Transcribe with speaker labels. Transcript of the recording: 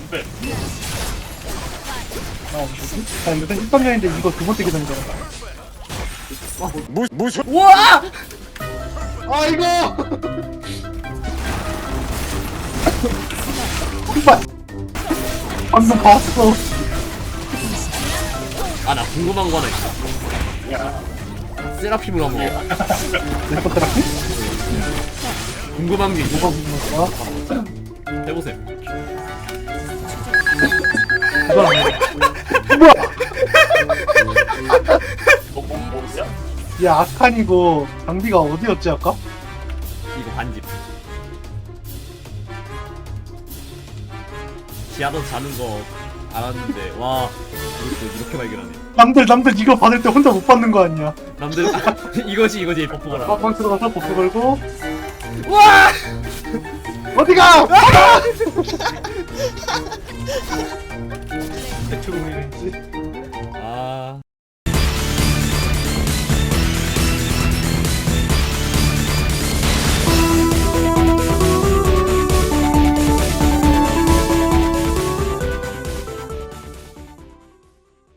Speaker 1: 네.
Speaker 2: 자, 일단 1번년인데 이거 두 번째 계산이잖아.
Speaker 3: 무슨
Speaker 4: 우와!
Speaker 2: 아이고! 정말 방금 봤어.
Speaker 4: 아, 나 궁금한 거 하나 있어.
Speaker 1: 야,
Speaker 4: 세라핌을 한번
Speaker 2: 내가 들었지?
Speaker 4: 궁금한 게 있어.
Speaker 2: 뭐가 궁금한 거야?
Speaker 4: 해보세요.
Speaker 2: 이건 아니야. 뭐야?
Speaker 1: 뭐야?
Speaker 2: 야, 아칸이고 장비가 어디였지 아까?
Speaker 4: 이거 반집. 지하도 자는 거 알았는데 와 이렇게 발견하네.
Speaker 2: 남들 이거 받을 때 혼자 못 받는 거 아니야?
Speaker 4: 남들 이거지 버프거라.
Speaker 2: 빵빵 들어가서 버프 걸고
Speaker 4: 와!
Speaker 2: 어디가?
Speaker 4: 대충